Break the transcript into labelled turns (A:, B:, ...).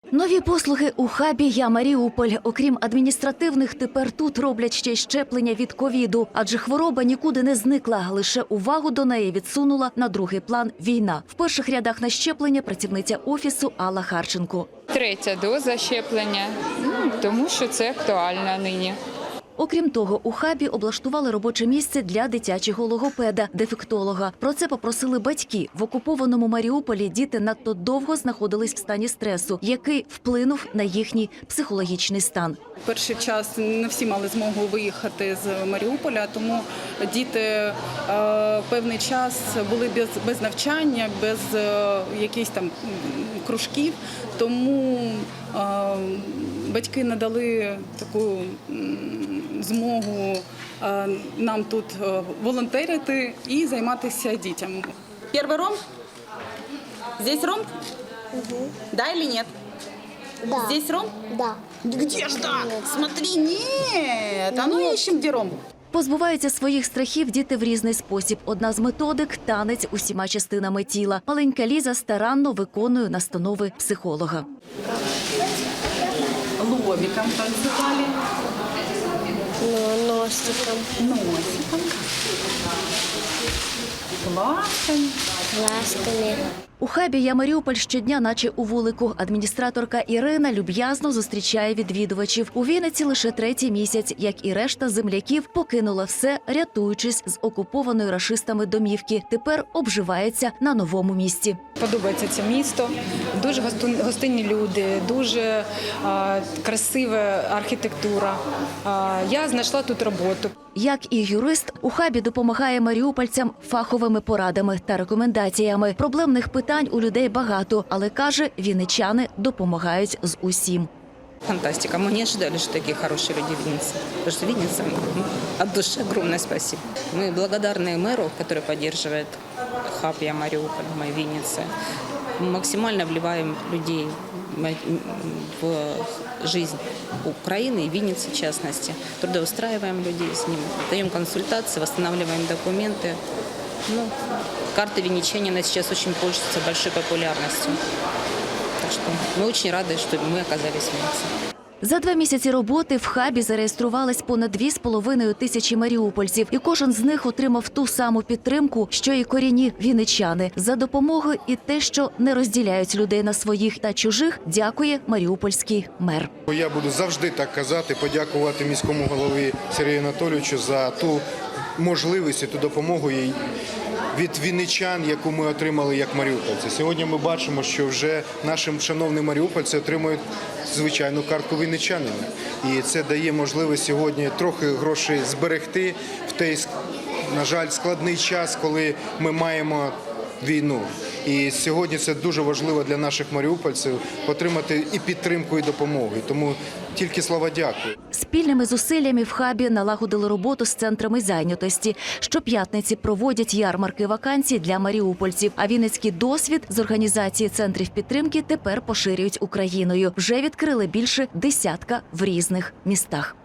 A: Нові послуги у хабі «Я Маріуполь». Окрім адміністративних, тепер тут роблять ще й щеплення від ковіду. Адже хвороба нікуди не зникла, лише увагу до неї відсунула на другий план війна. В перших рядах на щеплення працівниця офісу Алла Харченко.
B: Третя доза щеплення, тому що це актуально нині.
A: Окрім того, у хабі облаштували робоче місце для дитячого логопеда, дефектолога. Про це попросили батьки. В окупованому Маріуполі діти надто довго знаходились в стані стресу, який вплинув на їхній психологічний стан.
C: Перший час не всі мали змогу виїхати з Маріуполя, тому діти певний час були без навчання, без якихось там кружків. Тому батьки надали таку змогу нам тут волонтерити і займатися дітям. Перший ромб? Здесь ромб?
D: Угу.
C: Да или нет?
D: Да.
C: Здесь ромб?
D: Да.
C: Где ж так? Смотри, нет. А ну ищем, где ромб.
A: Позбуваються своїх страхів діти в різний спосіб. Одна з методик – танець усіма частинами тіла. Маленька Ліза старанно виконує настанови психолога.
C: Лобиком танцевали.
D: Носиком.
C: Носиком. Ласками.
D: Ласками.
A: У хабі «Я Маріуполь» щодня, наче у вулику. Адміністраторка Ірина люб'язно зустрічає відвідувачів. У Вінниці лише третій місяць, як і решта земляків, покинула все, рятуючись з окупованої рашистами домівки. Тепер обживається на новому місці.
E: Подобається це місто, дуже гостинні люди, дуже красива архітектура. Я знайшла тут роботу.
A: Як і юрист, у хабі допомагає маріупольцям фаховими порадами та рекомендаціями. Проблемних питань у людей багато, але, каже, вінничани допомагають з усім.
F: Фантастика. Мы не ожидали, что такие хорошие люди в Виннице. Потому что Винница, от души огромное спасибо. Мы благодарны мэру, который поддерживает хаб «Я Маріуполь», мы в Виннице. Мы максимально вливаем людей в жизнь Украины и Винницы в частности. Трудоустраиваем людей с ними, даем консультации, восстанавливаем документы. Карта винничанина сейчас очень пользуется большой популярностью. Так что мы очень рады, что мы оказались в Виннице.
A: За 2 місяці роботи в хабі зареєструвалось понад 2,5 тисячі маріупольців. І кожен з них отримав ту саму підтримку, що і корінні вінничани. За допомогу і те, що не розділяють людей на своїх та чужих, дякує маріупольський мер.
G: Я буду завжди так казати, подякувати міському голові Сергію Анатолійовичу за ту можливість і ту допомогу від вінничан, яку ми отримали як маріупольці. Сьогодні ми бачимо, що вже наші шановні маріупольці отримують звичайну картку вінничанина. І це дає можливість сьогодні трохи грошей зберегти в той, на жаль, складний час, коли ми маємо війну. І сьогодні це дуже важливо для наших маріупольців отримати і підтримку, і допомогу. Тому тільки слова дякую.
A: Спільними зусиллями в хабі налагодили роботу з центрами зайнятості. Щоп'ятниці проводять ярмарки вакансій для маріупольців. А вінницький досвід з організації центрів підтримки тепер поширюють Україною. Вже відкрили більше 10 в різних містах.